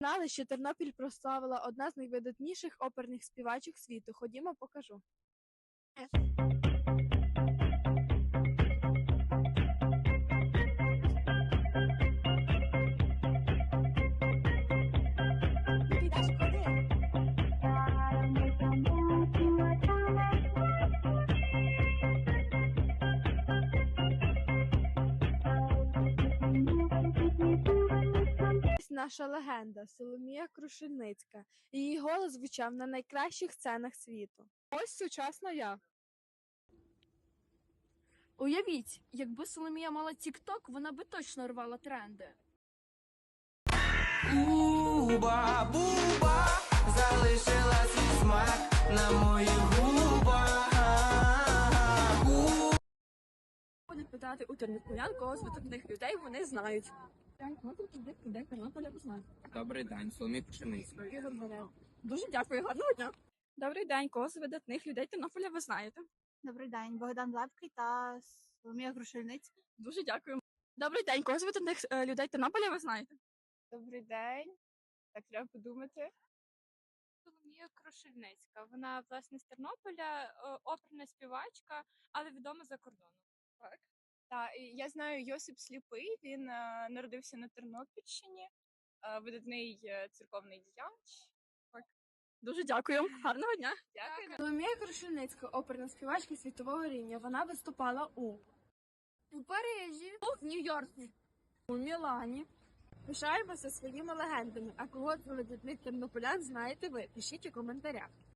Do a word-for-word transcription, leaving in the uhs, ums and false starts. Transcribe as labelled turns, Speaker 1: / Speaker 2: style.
Speaker 1: Знали, що Тернопіль прославила одна з найвидатніших оперних співачок світу. Ходімо, покажу. Ти йдеш, ходи. Ось наша легенда Соломія Крушельницька. Її голос звучав на найкращих сценах світу.
Speaker 2: Ось сучасна я.
Speaker 3: Уявіть, якби Соломія мала тік-ток, вона би точно рвала тренди.
Speaker 4: Буба, буба, залишила свій смак на моїх губах.
Speaker 3: Ходять питати у тернополян, кого з видатних людей вони знають. Людей Тернополя знають.
Speaker 4: Добрий день, Соломія Крушельницька.
Speaker 3: Ігор Горел. Дуже дякую, гарного дня. Добрий день, кого з видатних людей Тернополя ви знаєте?
Speaker 5: Добрий день, Богдан Лепкий та Соломія Крушельницька.
Speaker 3: Дуже дякую. Добрий день, кого з видатних е, людей Тернополя ви знаєте?
Speaker 2: Добрий день. Так, треба подумати.
Speaker 6: Соломія Крушельницька. Вона, власне, з Тернополя, е, оперна співачка, але відома за кордоном.
Speaker 2: Так. Та, і я знаю Йосип Сліпий, він е, народився на Тернопільщині, е, видатний е, церковний діяч.
Speaker 3: Дуже дякую. Гарного дня.
Speaker 2: Дякую.
Speaker 1: Соломія Крушельницька, оперна співачка світового рівня. Вона виступала у
Speaker 3: У Парижі, у Нью-Йорку.
Speaker 1: у Мілані. Пишаємося своїми легендами. А кого з видатних тернополян знаєте ви? Пишіть у коментарях.